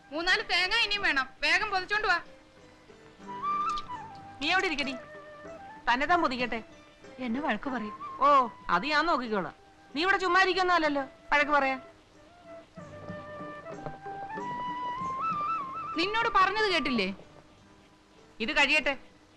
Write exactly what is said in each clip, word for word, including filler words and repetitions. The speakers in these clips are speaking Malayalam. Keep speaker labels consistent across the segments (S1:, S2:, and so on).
S1: മൂന്നാല് തേങ്ങ ഇനിയും വേണം. വേഗം പൊതിച്ചോണ്ട് വാ.
S2: നീ എവിടെ ഇരിക്കടി? തന്നെ താൻ പൊതിക്കട്ടെ.
S1: എന്നെ വഴക്ക് പറയും.
S2: ഓ അത് ഞാൻ നോക്കിക്കോളാം. നീ ഇവിടെ ചുമ്മാ ഇരിക്കുന്നല്ലോ വഴക്ക് പറയാ.
S1: നിന്നോട് പറഞ്ഞത് കേട്ടില്ലേ?
S2: ഇത് കഴിയട്ടെ.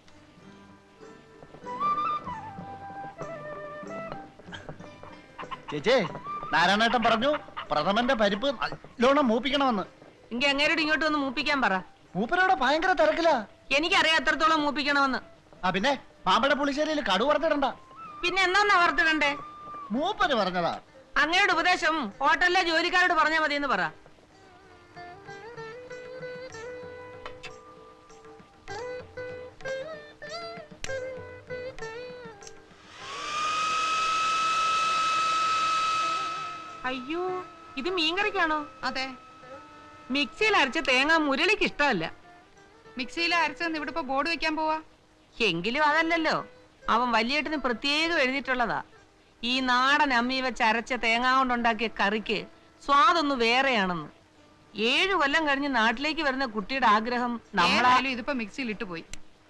S3: ചേച്ചേ, നാരായണേട്ടൻ പറഞ്ഞു പ്രഥമന്റെ പരിപ്പ് നല്ലോണം മൂപ്പിക്കണമെന്ന്.
S2: എങ്കിൽ അങ്ങേരോട് ഇങ്ങോട്ട് വന്ന് മൂപ്പിക്കാൻ പറ.
S3: മൂപ്പരോടെ ഭയങ്കര തിരക്കിലാ.
S2: എനിക്കറിയാം എത്രത്തോളം മൂപ്പിക്കണമെന്ന്.
S3: ആ പിന്നെ പാമ്പട പുളിശ്ശേരിയിൽ കടു വറുത്തിടണ്ട.
S2: പിന്നെ എന്നാ വറുത്തിടണ്ടേ?
S3: മൂപ്പര് പറഞ്ഞതാ.
S2: അങ്ങയുടെ ഉപദേശം ഹോട്ടലിലെ ജോലിക്കാരോട് പറഞ്ഞാൽ മതി എന്ന് പറ. അയ്യോ, ഇത് മീൻകറിക്കാണോ?
S1: അതെ.
S2: മിക്സിയിൽ അരച്ച തേങ്ങ മുരളിക്ക് ഇഷ്ടമല്ല.
S1: മിക്സിയിൽ അരച്ചെന്ന് ഇവിടെ ഇപ്പൊ ബോർഡ് വെക്കാൻ പോവാ.
S2: എങ്കിലും അതല്ലല്ലോ, അവൻ വലിയേട്ടന് പ്രത്യേകം എഴുതിയിട്ടുള്ളതാ. ഈ നാടൻ അമ്മി വെച്ച് അരച്ച തേങ്ങ കൊണ്ടുണ്ടാക്കിയ കറിക്ക് സ്വാദൊന്നു വേറെയാണെന്ന്. ഏഴു കൊല്ലം കഴിഞ്ഞ് നാട്ടിലേക്ക് വരുന്ന കുട്ടിയുടെ ആഗ്രഹം നമ്മളായാലും
S1: ഇതിപ്പോ മിക്സിയിൽ ഇട്ടു പോയി.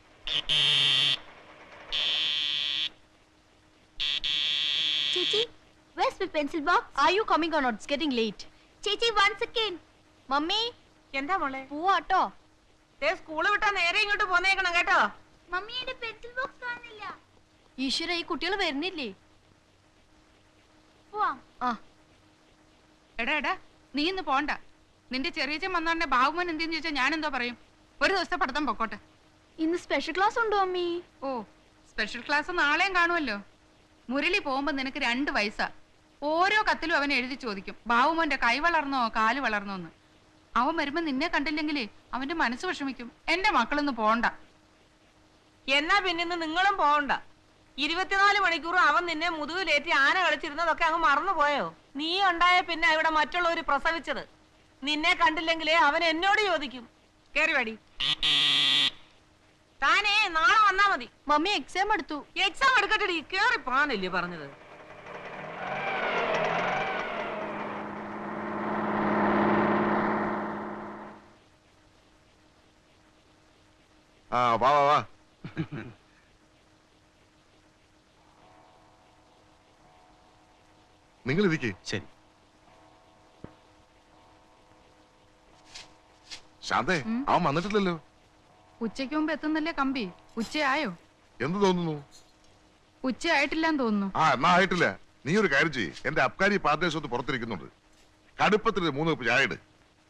S4: ചേച്ചി, where's my pencil box? Are you coming or not? It's getting late. ചേച്ചി, one second. മമ്മി,
S2: എന്താ മോളെ?
S4: പോവാട്ടോ.
S2: ദേ സ്കൂൾ വിട്ടാ നേരെ ഇങ്ങോട്ട് പോന്നേക്കണം കേട്ടോ.
S4: മമ്മിയുടെ പെൻസിൽ ബോക്സ് കാണുന്നില്ല. ഈശ്വര, ഈ കുട്ടികൾ വരുന്നില്ലേ? പോവാം. ആ
S1: എടാ എടാ, നീ ഇന്ന് പോണ്ട. നിന്റെ ചെറിയച്ചൻ വന്നോണ്ടെ ബാബുമൻ എന്തെന്ന് ചോദിച്ചാൽ ഞാൻ എന്തോ പറയും? ഒരു ദിവസത്തെ പഠിത്തം പൊക്കോട്ടെ.
S4: ഇന്ന് സ്പെഷ്യൽ ക്ലാസ് ഉണ്ടോ മമ്മി?
S1: ഓ, സ്പെഷ്യൽ ക്ലാസ് നാളെയും കാണുമല്ലോ. മുരളി പോകുമ്പോ നിനക്ക് രണ്ട് വയസ്സാ. ഓരോ കത്തിലും അവൻ എഴുതി ചോദിക്കും, ബാബുമോന്റെ കൈ വളർന്നോ കാല് വളർന്നോന്ന്. അവൻ വരുമ്പോ നിന്നെ കണ്ടില്ലെങ്കിലേ അവന്റെ മനസ്സ് വിഷമിക്കും. എന്റെ മക്കളൊന്നും പോണ്ട.
S2: എന്നാ പിന്നെ നിങ്ങളും പോകണ്ട. ഇരുപത്തിനാല് മണിക്കൂറും അവൻ നിന്നെ മുതുകിലേറ്റി ആന കളിച്ചിരുന്നതൊക്കെ അങ്ങ് മറന്നുപോയോ? നീ ഉണ്ടായ പിന്നെ ഇവിടെ മറ്റുള്ളവർ പ്രസവിച്ചത്. നിന്നെ കണ്ടില്ലെങ്കിലേ അവൻ എന്നോട് ചോദിക്കും. കേറി വാടി. താനേ നാളെ വന്നാ മതി.
S4: മമ്മി എക്സാം എടുത്തു.
S2: എക്സാം എടുക്കട്ടെടി, കേറി പോകാനല്ലേ പറഞ്ഞത്.
S5: ആ വാ വാ വാ. നിങ്ങൾ ഇരിക്കേ.
S3: ശരി.
S5: ശാന്തേ, അവൻ വന്നിട്ടില്ലല്ലോ.
S1: ഉച്ചയ്ക്ക് മുമ്പ് എത്തുന്നല്ലേ കമ്പി? ഉച്ചയായോ?
S5: എന്ത് തോന്നുന്നു?
S1: ഉച്ചയായിട്ടില്ലാന്ന് തോന്നുന്നു.
S5: ആ എന്നാ ആയിട്ടില്ല. നീ ഒരു കാര്യം ചെയ്യ്, എന്റെ അബ്കാരി പാർട്ട്നേഴ്സ് ഒന്ന് പുറത്തിരിക്കുന്നുണ്ട്. കടുപ്പത്തിൽ മൂന്ന് കപ്പ് ചായ ഇട്.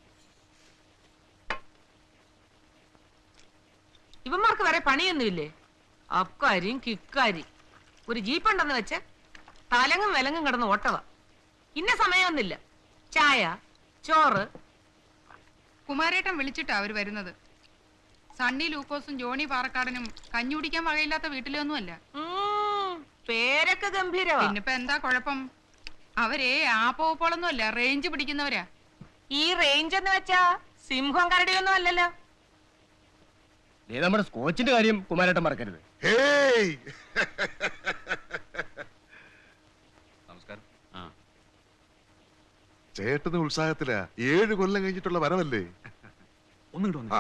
S2: ഇവന്മാർക്ക് വരെ പണിയൊന്നുമില്ലേ? അബ്കാരിയും കിക്കാരി ഒരു ജീപ്പുണ്ടെന്ന് വെച്ച് തലങ്ങും വിലങ്ങും കിടന്ന് ഓട്ടവ. ഇന്ന സമയമൊന്നുമില്ല. ചായ, ചോറ്.
S1: കുമാരേട്ടൻ വിളിച്ചിട്ടാ അവര് വരുന്നത്. സണ്ണി ലൂക്കോസും ജോണി പാറക്കാടനും കഞ്ഞി കുടിക്കാൻ വകയില്ലാത്ത വീട്ടിലൊന്നുമല്ല.
S2: പേരൊക്കെ ഗംഭീരവാ.
S1: പിന്നിപ്പോ എന്താ കുഴപ്പം? അവരെ ആ പോപ്പോളൊന്നും അല്ല, റേഞ്ച് പിടിക്കുന്നവരാ.
S2: ഈ റേഞ്ച് എന്ന് വെച്ചാ സിംഹം കരടിയൊന്നും അല്ലല്ലോ.
S3: നമ്മുടെ സ്കോച്ചിന്റെ കാര്യം കുമാരേട്ടൻ മറക്കരുത്.
S5: നമസ്കാരം. ചേട്ടന് ഉത്സാഹത്തിലാ. ഏഴ് കൊല്ലം കഴിഞ്ഞിട്ടുള്ള വരവല്ലേ.
S6: ഒന്നും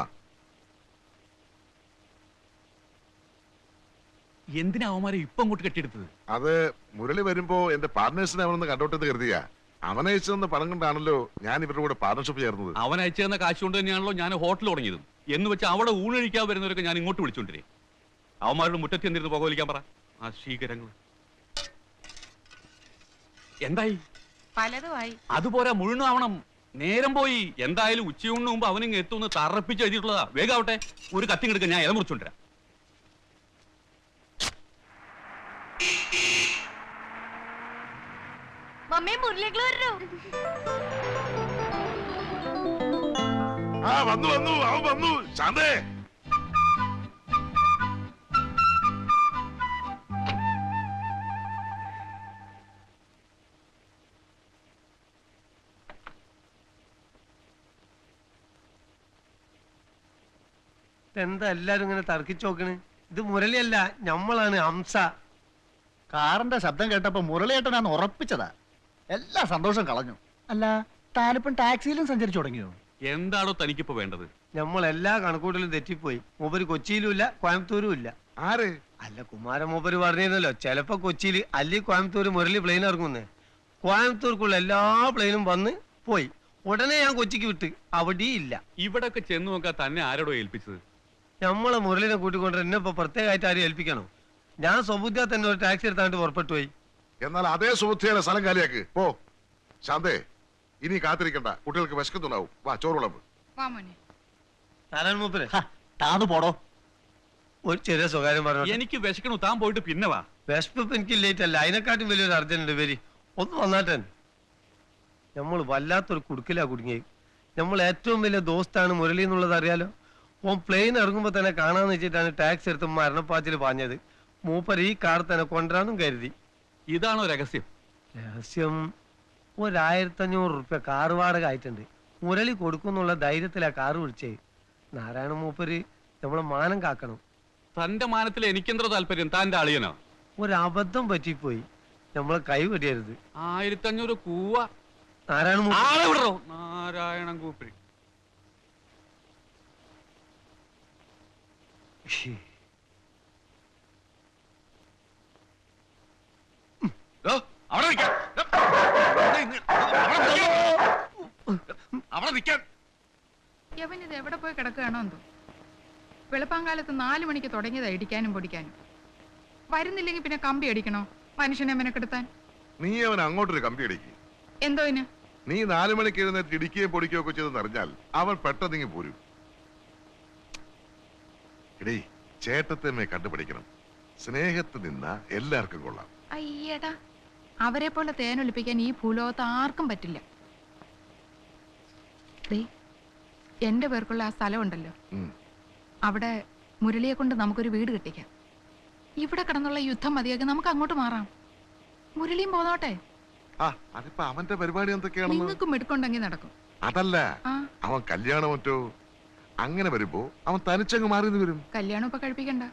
S6: എന്തിനാ അവന്മാരെ ഇപ്പൊ അങ്ങോട്ട് കെട്ടിയെടുത്തത്?
S5: അത് മുരളി വരുമ്പോ എന്റെ പാർട്ട്നേഴ്സിനെ അവനൊന്ന് കണ്ടോട്ടെന്ന് കരുതിയാ. അവൻ അയച്ചതെന്ന് പണം കൊണ്ടാണല്ലോ ഞാൻ ഇവരുടെ കൂടെ പാർട്ണർഷിപ്പ് ചേർന്നത്.
S6: അവൻ അയച്ചു തന്ന കാശ് കൊണ്ട് തന്നെയാണല്ലോ ഞാൻ ഹോട്ടൽ തുടങ്ങിയതും. എന്ന് വെച്ച് അവിടെ ഊണഴിക്കാൻ വരുന്നവരൊക്കെ ഞാൻ ഇങ്ങോട്ട് വിളിച്ചോണ്ടിരേ. അവന്മാരുടെ മുറ്റത്ത് എന്തിരുന്ന് പുകവലിക്കാൻ പറ. ആ ശീകരങ്ങൾ എന്തായി?
S2: പലതുമായി.
S6: അതുപോലെ മുഴുവനാവണം. നേരം പോയി. എന്തായാലും ഉച്ചയൂണിന് മുമ്പ് അവനിങ് എത്തുമെന്ന് തറപ്പിച്ച് എഴുതിയിട്ടുള്ളതാ. വേഗാവട്ടെ, ഒരു കത്തിങ്ങെടുക്കാൻ ഞാൻ ഇല മുറിച്ചോണ്ടിരാം.
S4: മമ്മി, മുരളികൾ വരൂ.
S5: ആ വന്നു വന്നു അവൻ വന്നു. ശാന്തേ,
S7: എന്താ എല്ലാരും ഇങ്ങനെ തർക്കിച്ചു നോക്കണ്? ഇത് മുരളിയല്ല, ഞമ്മളാണ് ഹംസ.
S3: കാറിന്റെ ശബ്ദം കേട്ടപ്പോ മുരളിയേട്ടനാന്ന് ഉറപ്പിച്ചതാ. എല്ലാ സന്തോഷം കളഞ്ഞു. അല്ല, താനിപ്പം ടാക്സിയിലും സഞ്ചരിച്ചു തുടങ്ങിയോ?
S6: എന്താണോ തനിക്കിപ്പോ വേണ്ടത്?
S7: നമ്മൾ എല്ലാ കണക്കൂട്ടലും തെറ്റിപ്പോയി. മൂപ്പര് കൊച്ചിയിലും ഇല്ല, കോയമ്പത്തൂരും ഇല്ല.
S5: ആര്?
S7: അല്ല, കുമാരൻ മൂപ്പര് പറഞ്ഞിരുന്നല്ലോ ചിലപ്പോ കൊച്ചിയിൽ അല്ലി കോയമ്പത്തൂർ മുരളി പ്ലെയിൻ ഇറങ്ങുന്നേ. കോയമ്പത്തൂർക്കുള്ള എല്ലാ പ്ലെയിനും വന്ന് പോയി. ഉടനെ ഞാൻ കൊച്ചിക്ക് വിട്ട്, അവിടെ ഇല്ല.
S6: ഇവിടൊക്കെ ചെന്ന് നോക്കാൻ തന്നെ ആരോടോ ഏൽപ്പിച്ചത്?
S7: നമ്മളെ മുരളിനെ കൂട്ടിക്കൊണ്ട് എന്നെ ഇപ്പൊ പ്രത്യേകമായിട്ട് ആരും ഏൽപ്പിക്കണോ? ഞാൻ സ്വബുദ്ധിയാ തന്നെ ഒരു ടാക്സി എടുത്താണ്ട് പുറപ്പെട്ടു പോയി.
S5: എന്നാൽ അതേ സുഹൃത്തിയുടെ സ്ഥലം കാലിയാക്ക് പോ. ശാന്തേ, ഇനി കാത്തിരിക്കണ്ട, കുട്ടികൾക്ക് വിശക്കുന്നുണ്ടാവും. വാ, ചോറ് വിളമ്പ്.
S1: വാ മോനെ.
S7: നാരായണ മൂപ്പര്
S3: താന്നു പോടോ.
S7: ഒരു ചെറിയ സ്വകാര്യം പറഞ്ഞു.
S6: എനിക്ക് വിശക്കണു, താൻ പോയിട്ട് പിന്നെ വാ.
S7: വിശപ്പ് എനിക്ക് ലേറ്റ് അല്ല, അതിനെക്കാട്ടും വലിയൊരു അർജന്റ് ഉണ്ട്. വരി, ഒന്ന് വന്നാട്ടെ. നമ്മൾ വല്ലാത്തൊരു കുടുക്കിലാ കുടുങ്ങി. നമ്മൾ ഏറ്റവും വലിയ ദോസ്താണ് മുരളി എന്നുള്ളത് അറിയാലോ. ഓൻ പ്ലെയിൻ ഇറങ്ങുമ്പോ തന്നെ കാണാന്ന് വെച്ചിട്ടാണ് ടാക്സി എടുത്ത് മരണപ്പാച്ചിൽ പാഞ്ഞത്. മൂപ്പർ ഈ കാർ തന്നെ കൊണ്ടുവരാനും കരുതി.
S6: ഇതാണോ രഹസ്യം?
S7: രഹസ്യം, ഒരായിരത്തഞ്ഞൂറ് റുപ്യ കാർ വാടക ആയിട്ടുണ്ട്. മുരളി കൊടുക്കുന്നുള്ള ധൈര്യത്തിലാ കാറ് വിളിച്ചേ. നാരായണ മൂപ്പര് നമ്മളെ മാനം കാക്കണം.
S6: തന്റെ മാനത്തിൽ എനിക്കെന്തോ താല്പര്യം, താന്റെ അളിയനോ?
S7: ഒരബദ്ധം പറ്റിപ്പോയി, നമ്മളെ കൈ വെടിയരുത്.
S6: ആയിരത്തി അഞ്ഞൂറ് കൂവ.
S7: നാരായണ മൂപ്പര്
S6: ആളെ വിടറോ. നാരായണൻ കൂപ്പി. അവിടെ നിൽക്കാൻ. അവിടെ നിൽക്കാൻ.
S1: യവനിത് എവിടെ പോയി കിടക്കുകയാണോ എന്തോ. വെളുപ്പാങ്കാലത്ത് നാലു മണിക്ക് തുടങ്ങിയതാ ഇടിക്കാനും പൊടിക്കാനും. വരുന്നില്ലെങ്കിൽ പിന്നെ കമ്പി അടിക്കണോ മനുഷ്യനെ മെനക്കെടുത്താൻ?
S5: നീ അവൻ അങ്ങോട്ടൊരു കമ്പി അടിക്ക്.
S1: എന്തോ ഇന്?
S5: നീ നാലു മണിക്ക് എഴുന്നേറ്റ് ഇടിക്കുകയും പൊടിക്കുകയോ ഒക്കെ ചെയ്തെന്ന് അറിഞ്ഞാൽ അവൻ പെട്ടെന്നിങ്ങി പോരും. എടീ, ചേട്ടത്തമ്മയെ കണ്ടുപിടിക്കണം. സ്നേഹത്ത് നിന്ന എല്ലാവർക്കും കൊള്ളാം.
S1: അയ്യടാ, അവരെ പോലെ തേനൊലിപ്പിക്കാൻ ഈ ഭൂലോകത്ത് ആർക്കും പറ്റില്ല. ദേ, എന്റെ പേർക്കുള്ള ആ സ്ഥലം ഉണ്ടല്ലോ,
S5: ഉം.
S1: അവിടെ മുരളിയെ കൊണ്ട് നമുക്കൊരു വീട് കെട്ടിക്കാം. ഇവിടെ കിടന്നുള്ള യുദ്ധം മതിയാക്കി നമുക്ക് അങ്ങോട്ട് മാറാം. മുരളിയും പോന്നോട്ടെ.
S5: ആ, അതിപ്പോ അവന്റെ പരിപാടി എന്തൊക്കെയാണെന്ന്
S1: നിങ്ങൾക്കും മെടുക്കുണ്ടെങ്കിൽ നടക്കും.
S5: അതല്ല,
S1: ആ,
S5: അവൻ കല്യാണം മറ്റോ അങ്ങനെ വരുമ്പോ അവൻ തനിച്ചങ്ങ് മാറി വരും.
S1: കല്യാണം ഇപ്പൊ കഴിപ്പിക്കണ്ട.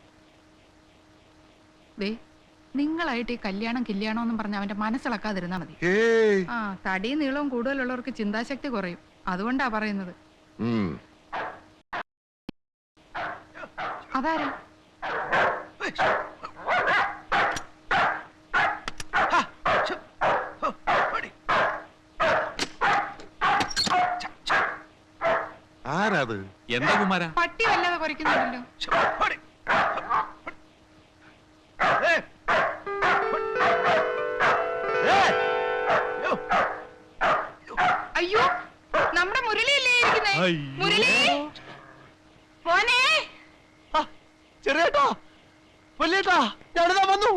S1: ദേ, നിങ്ങളായിട്ട് ഈ കല്യാണം കല്യാണം എന്നും പറഞ്ഞ അവന്റെ മനസ്സിളക്കാതിരുന്നാ മതി.
S5: ഏയ്.
S1: ആ, തടിയും നീളവും കൂടുതലുള്ളവർക്ക് ചിന്താശക്തി കുറയും. അതുകൊണ്ടാ പറയുന്നത്.
S5: ഉം.
S1: അതാരാ?
S5: ആരാത്?
S6: എന്താ കുമാര?
S1: പട്ടി വല്ലാതെ കുറയ്ക്കുന്നുണ്ടല്ലോ. അയ്യോ, നമ്മുടെ മുരളിയല്ലേ ഇരിക്കുന്നേ? മുരളി മോനെ.
S7: ചെറിയേട്ടാ, വലിയേട്ടാ, ഞാനിതാ വന്നു.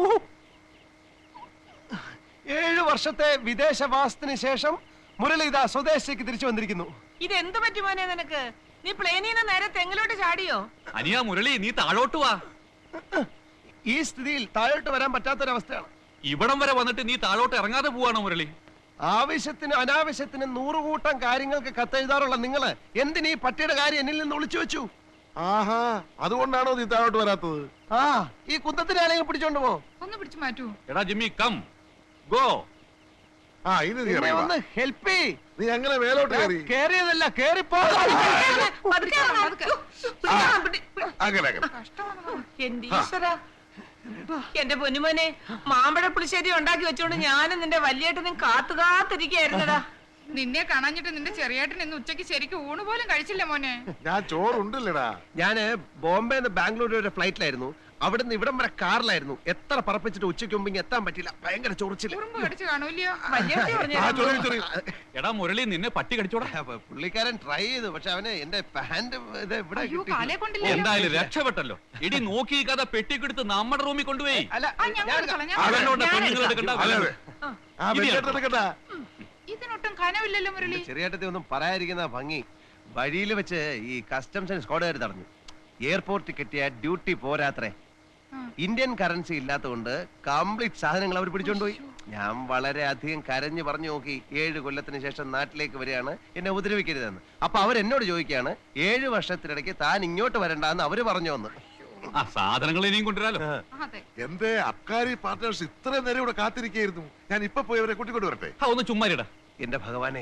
S7: ഏഴു വർഷത്തെ വിദേശവാസത്തിന് ശേഷം മുരളി ഇതാ സ്വദേശത്തേക്ക് തിരിച്ചു വന്നിരിക്കുന്നു.
S2: ഇതെന്ത് പറ്റി മോനെ നിനക്ക്? നീ പ്ലെയിനിൽ നിന്ന് നേരെ തെങ്ങിലോട്ട് ചാടിയോ?
S6: അനിയാ മുരളി, നീ താഴോട്ട് വാ.
S7: ഈ സ്ഥിതിയിൽ താഴോട്ട് വരാൻ പറ്റാത്തൊരവസ്ഥയാണ്.
S6: ഇവിടം വരെ വന്നിട്ട് നീ താഴോട്ട് ഇറങ്ങാതെ പോവാണോ മുരളി?
S7: ആവശ്യത്തിന് അനാവശ്യത്തിന് നൂറുകൂട്ടം കാര്യങ്ങൾക്ക് കത്തെഴുതാറുള്ള നിങ്ങള് എന്തിനീ പട്ടിയുടെ കാര്യം എന്നിൽ നിന്ന് ഒളിച്ചു വെച്ചു?
S5: ആഹാ, അതുകൊണ്ടാണോ നീ താഴോട്ട് വരാത്തത്?
S7: ആ, ഈ കുന്തത്തിന് ആരെങ്കിലും പിടിച്ചോണ്ട് പോ.
S1: ഒന്ന് പിടിച്ചു മാറ്റൂ.
S6: എടാ ജിമ്മി, കം ഗോ.
S5: ആ, ഇനി നീ
S7: എന്നെ
S5: ഇറങ്ങി വാ.
S7: ഒന്ന് ഹെൽപ്പ് ചെയ്.
S5: നീ അങ്ങനെ മേലോട്ട് കയറി.
S7: കേറിയതല്ല, കേറിപ്പോ.
S2: പതുക്കെ ഇറങ്ങ്, പതുക്കെ.
S5: ആ,
S2: പിടി-
S5: അങ്ങനെ അങ്ങനെ.
S2: എന്റെ ഈശ്വരാ. എന്റെ പൊന്നുമോനെ, മാമ്പഴ പുളിശ്ശേരി ഉണ്ടാക്കി വെച്ചോണ്ട് ഞാനും നിന്റെ വലിയേട്ടനും കാത്തു കാത്തിരിക്കായിരുന്നടാ.
S1: നിന്നെ കാണാഞ്ഞിട്ട് നിന്റെ ചെറിയേട്ടൻ ഇന്ന് ഉച്ചയ്ക്ക് ശരിക്കും ഊണ് പോലും കഴിച്ചില്ല മോനെ.
S5: ഞാൻ ചോറുണ്ടല്ലടാ.
S7: ഞാന് ബോംബെ ബാംഗ്ലൂർ വരെ ഫ്ലൈറ്റിലായിരുന്നു. അവിടുന്ന് ഇവിടം വരെ കാറിലായിരുന്നു. എത്ര പറപ്പിച്ചിട്ട് ഉച്ചയ്ക്ക് മുമ്പ് എത്താൻ പറ്റില്ല. ഭയങ്കര ചൊറിച്ചില്.
S1: ഉറുമ്പ് കടിച്ചു കാണൂല്ലയോ?
S2: വലിയേട്ടി
S5: ആ,
S2: പറഞ്ഞു
S5: ചൊറി, ചൊറി.
S6: എടാ മുരളി, നിന്നെ പട്ടി കടിച്ചോടാ.
S7: അപ്പൊ പുള്ളിക്കാരൻ ട്രൈ ചെയ്തു, പക്ഷെ അവന് എന്റെ പാന്റ് ഇത് ഇവിടെ
S1: അയ്യോ,
S7: കിട്ടി.
S1: കാലേ കൊണ്ടില്ല.
S6: എന്തായാലും രക്ഷപ്പെട്ടല്ലോ. ഇടി നോക്കി കഥ പെട്ടിക്കെടുത്ത് നമ്മുടെ റൂമിൽ കൊണ്ടുപോയി.
S7: അല്ല,
S1: ആ, ഞാൻ
S7: ഞാൻ
S1: കൊടുത്തോളാം, ഞാൻ
S6: അതെന്നോട്ട്
S1: കൊടുത്തോളാം.
S6: പെണ്ണുങ്ങൾ എടുക്കണ്ട.
S5: അതെ അതെ. ആ, വെക്കേട്ടെടുക്കട്ടാ.
S1: ഇതിനൊട്ടും കനവില്ലല്ലോ മുരളി.
S7: ചെറിയേട്ടത്തെ ഒന്നും പറയാതിരിക്കുന്ന ഭംഗി. വഴിയിൽ വെച്ച് ഈ കസ്റ്റംസ് സ്ക്വാഡുകാർ തടഞ്ഞു. എയർപോർട്ടിൽ കിട്ടിയ ഡ്യൂട്ടി പോരാത്രേ.
S1: ആ.
S7: ഇന്ത്യൻ കറൻസി ഇല്ലാത്തതുകൊണ്ട് കംപ്ലീറ്റ് സാധനങ്ങൾ അവർ പിടിച്ചോണ്ടുപോയി. ഞാൻ വളരെ അധികം കരഞ്ഞു പറഞ്ഞു നോക്കി. ഏഴ് കൊല്ലത്തിന് ശേഷം നാട്ടിലേക്ക് വരികയാണ്, എന്നെ ഉപദ്രവിക്കരുതെന്ന്. അപ്പൊ അവരെന്നോട് ചോദിക്കുകയാണ്, ഏഴു വർഷത്തിനിടയ്ക്ക് താൻ ഇങ്ങോട്ട് വരണ്ടെന്ന് അവര് പറഞ്ഞു വന്ന്.
S6: ആ സാധനങ്ങൾ ഇനിയും കൊണ്ടുവരാലോ.
S1: അതെ.
S5: എന്റെ അബ്കാരി പാർട്ട്നേഴ്സ് ഇത്രയും നേരം ഇവിടെ കാത്തിരിക്കായിരുന്നു. ഞാൻ ഇപ്പൊ പോയി അവരെ കൂട്ടിക്കൊണ്ട് വരട്ടെ.
S6: ആ, ഒന്ന് ചുമ്മാരിടാ.
S7: എന്റെ ഭഗവാനെ,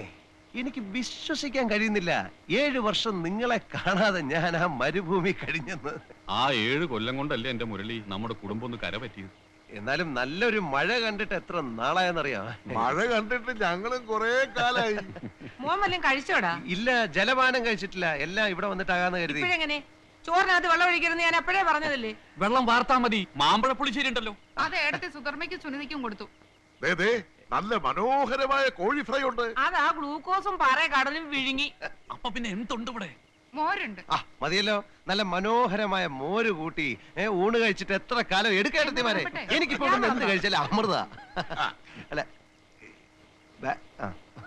S7: എനിക്ക് വിശ്വസിക്കാൻ കഴിയുന്നില്ല. ഏഴു വർഷം നിങ്ങളെ കാണാതെ ഞാൻ ആ മരുഭൂമി കഴിഞ്ഞെന്ന്.
S6: ആ ഏഴ് കൊല്ലം കൊണ്ടല്ലേ എന്റെ മുരളി നമ്മുടെ കുടുംബം ഒന്ന് കര പറ്റിയത്.
S7: എന്നാലും നല്ലൊരു മഴ കണ്ടിട്ട് എത്ര നാളായെന്നറിയാം.
S5: മഴ കണ്ടിട്ട് ഞങ്ങളും കൊറേ കാലായി.
S2: മോൻ വല്ലതും കഴിച്ചോടാ?
S7: ഇല്ല, ജലപാനം കഴിച്ചിട്ടില്ല. എല്ലാം ഇവിടെ വന്നിട്ടാകാന്ന് കരുതി.
S2: ഇപ്പോഴെങ്ങനെ ചോറിനകത്ത് വെള്ളം ഒഴിക്കരുന്ന് ഞാൻ അപ്പോഴേ പറഞ്ഞതല്ലേ?
S6: വെള്ളം വാർത്താ മതി. മാമ്പഴ പുളിശ്ശേരി ഉണ്ടല്ലോ.
S1: അത് ഏടത്തെ സുധർമ്മയ്ക്കും സുനിതയ്ക്കും കൊടുത്തു.
S5: ദേ, ദേ, നല്ല മനോഹരമായ കോഴി ഫ്രൈ ഉണ്ട്.
S2: അതാ ഗ്ലൂക്കോസും പാറ കടലും വിഴുങ്ങി.
S6: അപ്പൊ പിന്നെ എന്തുണ്ട് ഇവിടെ?
S1: മോരുണ്ട്.
S7: ആ മതിയല്ലോ, നല്ല മനോഹരമായ മോര് കൂട്ടി ഏ ഊണ് കഴിച്ചിട്ട് എത്ര കാലം എടുക്കെടുത്തിമാരെ. എനിക്കിപ്പോ ഇവിടുന്ന് എന്ത് കഴിച്ചാലും അമൃത. അല്ല ബ- ആ.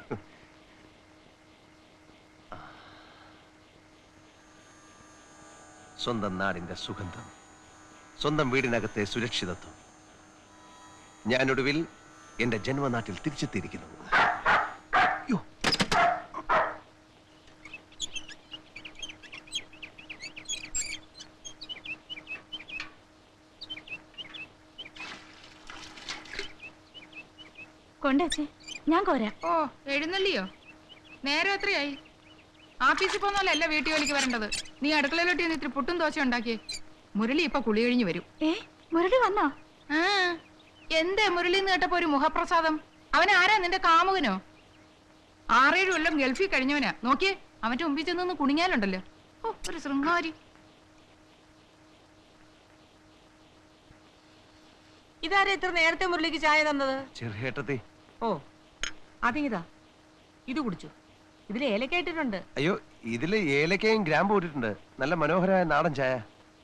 S7: സ്വന്തം നാടിന്റെ സുഗന്ധം, സ്വന്തം വീടിനകത്തെ സുരക്ഷിതത്വം. ഞാനൊടുവിൽ എന്റെ ജന്മനാട്ടിൽ തിരിച്ചെത്തിയിരിക്കുന്നു. യ്യോ.
S4: കൊണ്ടേച്ചേ, ഞാൻ കോരാം.
S1: ഓ എഴുന്നള്ളിയോ? നേരെ എത്രയായി? ആഫീസിൽ പോന്നല്ല വീട്ടു ജോലിക്ക് വരേണ്ടത്. നീ അടുക്കളയിലോട്ട് ചെന്ന് ഇത്തിരി പുട്ടും ദോശ ഉണ്ടാക്കിയേ. മുരളി ഇപ്പൊ കുളി കഴിഞ്ഞു വരും.
S4: ഏ മുരളി വന്നോ?
S1: ആ എന്തേ മുരളി എന്ന് കേട്ടപ്പോ ഒരു മുഖപ്രസാദം? അവൻ ആരാ, നിന്റെ കാമുകനോ? ആറേഴ് കൊല്ലം ഗൾഫിൽ കഴിഞ്ഞവനാ. നോക്കിയേ, അവന്റെ മുമ്പിൽ ചെന്ന് കുണിങ്ങാലുണ്ടല്ലോ. ഓ ഒരു ശൃംഗാരി.
S2: ഇതാരാ ഇത്ര നേരത്തെ മുരളിക്ക് ചായ തന്നത്?
S7: ചെറുഹേട്ടത്തി.
S2: ഓ അതിങ്ങിതാ, ഇത് കുടിച്ചു. ഇതിൽ ഏലക്ക ഇട്ടിട്ടുണ്ട്.
S7: അയ്യോ, ഇതില് ഏലക്കയും ഗ്രാമ്പും ഇട്ടിട്ടുണ്ട്. നല്ല മനോഹരമായ നാടൻ ചായ.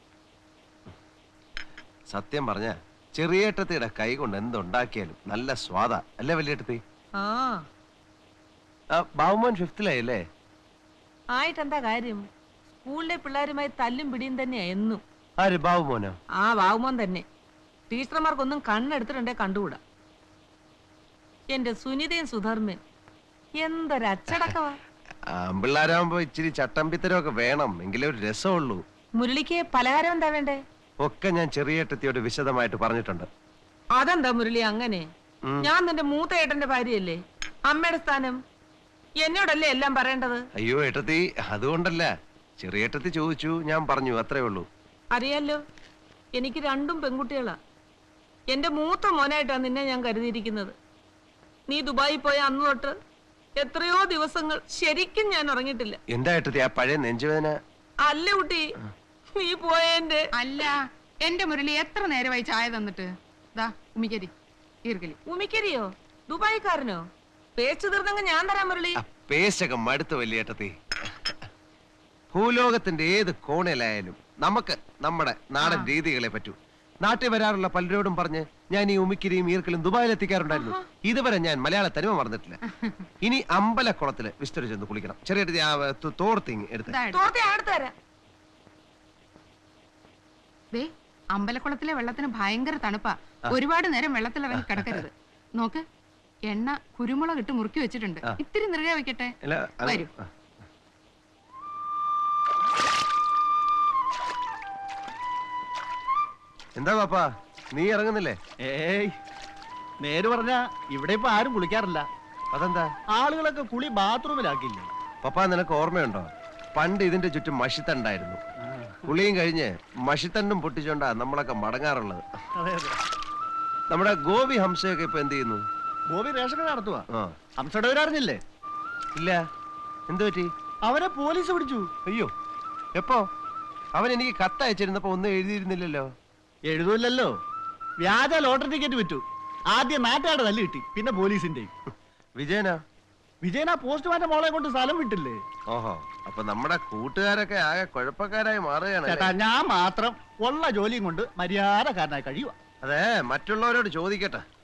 S7: സത്യം പറഞ്ഞ ചെറിയേട്ടത്തിയുടെ കൈ കൊണ്ട് എന്തുണ്ടാക്കിയാലും നല്ല സ്വാദാ അല്ലേ വലിയേട്ടത്തി?
S2: ആ
S7: ബാബുമോൻ ഫിഫ്തിലായല്ലേ?
S2: ആയിട്ടെന്താ കാര്യം? സ്കൂളിലെ പിള്ളേരുമായി തല്ലും പിടിയും തന്നെയാ എന്നും.
S7: ആര്, ബാബുമോനോ?
S2: ആ ബാബുമോൻ തന്നെ. ടീച്ചർമാർക്കൊന്നും കണ്ണെടുത്തിട്ടുണ്ടേ കണ്ടുകൂടാ. എന്റെ സുനിതയും സുധർമ്മൻ എന്തൊരച്ചടക്കവാ.
S7: ആമ്പിള്ളാരാകുമ്പോ ഇച്ചിരി ചട്ടമ്പിത്തരമൊക്കെ വേണം, എങ്കിലേ ഒരു രസമുള്ളൂ.
S2: മുരളിക്ക് പലഹാരം എന്താ വേണ്ടേ?
S7: ഒക്കെ ഞാൻ ചെറിയേട്ടത്തിയോട് വിശദമായിട്ട് പറഞ്ഞിട്ടുണ്ട്.
S2: അതെന്താ മുരളി അങ്ങനെ?
S7: ഉം.
S2: ഞാൻ നിന്റെ മൂത്ത ഏട്ടന്റെ ഭാര്യയല്ലേ? അമ്മയുടെ സ്ഥാനം എന്നോടല്ലേ എല്ലാം പറയേണ്ടത്?
S7: അയ്യോ ഏട്ടത്തി, അതുകൊണ്ടല്ല. ചെറിയേട്ടത്തി ചോദിച്ചു, ഞാൻ പറഞ്ഞു, അത്രേ ഉള്ളൂ.
S2: അറിയാലോ, എനിക്ക് രണ്ടും പെൺകുട്ടികളാ. എന്റെ മൂത്ത മോനായിട്ടാണ് നിന്നെ ഞാൻ കരുതിയിരിക്കുന്നത്. നീ ദുബായി പോയ അന്ന് തൊട്ട് എത്രയോ ദിവസങ്ങൾ ശരിക്കും ഞാൻ ഉറങ്ങിയിട്ടില്ല.
S7: എന്താ ഏട്ടത്തി ആ പഴയ നെഞ്ചുവേദന?
S2: അല്ല കുട്ടി, നീ പോയെന്റെ.
S1: അല്ല എന്റെ മുരളി എത്ര നേരമായി ചായ തന്നിട്ട്? ദാ ഉമിക്കരി ഈർക്കലി.
S2: ഉമിക്കരിയോ? ദുബായിക്കാരനോ? പേച്ചു തീർന്നെങ്കിൽ ഞാൻ തരാം മുരളി.
S7: ആ പേശൊക്കെ മടുത്ത വലിയേട്ടത്തി. ഭൂലോകത്തിന്റെ ഏത് കോണിലായാലും നമുക്ക് നമ്മുടെ നാടൻ രീതികളെ പറ്റൂ. നാട്ടിൽ വരാറുള്ള പലരോടും പറഞ്ഞ് ഞാൻ ഈ ഉമിക്കിരിയും ഈർക്കലും ദുബായിൽ എത്തിക്കാറുണ്ടായിരുന്നു. ഇതുവരെ ഞാൻ മലയാള തനിമ മറന്നിട്ടില്ല. ഇനി അമ്പലക്കുളത്തില് വിസ്തരി ചെന്ന് കുളിക്കണം. ചെറിയ തോർത്തിങ് എടുത്ത്.
S2: തോർത്തി അടുത്ത് തരാം.
S1: ദേ അമ്പലക്കുളത്തിലെ വെള്ളത്തിന് ഭയങ്കര തണുപ്പാ. ഒരുപാട് നേരം വെള്ളത്തിൽ ഇറങ്ങി കിടക്കരുത്. നോക്ക്, എണ്ണ കുരുമുളക് ഇട്ട് മുറുക്കി വെച്ചിട്ടുണ്ട്. ഇത്തിരി നിറയെ വെക്കട്ടെ.
S7: അല്ല, അത്
S1: വരൂ.
S7: ആ. എന്താ പാപ്പാ, നീ ഇറങ്ങുന്നില്ലേ?
S3: ഏയ് നേര് പറഞ്ഞ ഇവിടെ ഇപ്പൊ ആരും കുളിക്കാറില്ല.
S7: അതെന്താ?
S3: ആളുകളൊക്കെ കുളി ബാത്റൂമിലാക്കില്ലേ.
S7: പപ്പാ, നിനക്ക് ഓർമ്മയുണ്ടോ? പണ്ട് ഇതിന്റെ ചുറ്റും മഷിത്തണ്ടായിരുന്നു. കുളിയും കഴിഞ്ഞ് മഷിത്തണ്ടും പൊട്ടിച്ചോണ്ടാ നമ്മളൊക്കെ മടങ്ങാറുള്ളത്.
S3: അതെ അതെ.
S7: നമ്മുടെ ഗോപി ഹംസയൊക്കെ ഇപ്പൊ എന്ത് ചെയ്യുന്നു?
S3: ഗോപി റേഷൻ കട നടത്തുവാ.
S7: ആ.
S3: ഹംസയുടെ അറിഞ്ഞില്ലേ?
S7: ഇല്ല, എന്തു പറ്റി?
S3: അവരെ പോലീസ് പിടിച്ചു.
S7: അയ്യോ, എപ്പോ? അവൻ എനിക്ക് കത്തയച്ചിരുന്നപ്പോ ഒന്നും എഴുതിയിരുന്നില്ലല്ലോ.
S3: എഴുതൂല്ലല്ലോ. വ്യാജ ലോട്ടറി ടിക്കറ്റ് വിറ്റു. ആദ്യം നാട്ടുകാരുടെ തല്ല് കിട്ടി, പിന്നെ പോലീസിന്റെയും.
S7: വിജയനാ?
S3: വിജയൻ ആ പോസ്റ്റ്മാന്റെ മോളെ കൊണ്ട് സ്ഥലം വിട്ടില്ലേ?
S7: ഓഹോ, അപ്പൊ നമ്മുടെ കൂട്ടുകാരൊക്കെ ആകെ കുഴപ്പക്കാരായി മാറുകയാണ്.
S3: ചേട്ടാ, ഞാൻ മാത്രം ഉള്ള ജോലിയും കൊണ്ട് മര്യാദക്കാരനായി കഴിയുക.
S7: അതെ, മറ്റുള്ളവരോട് ചോദിക്കട്ടെ.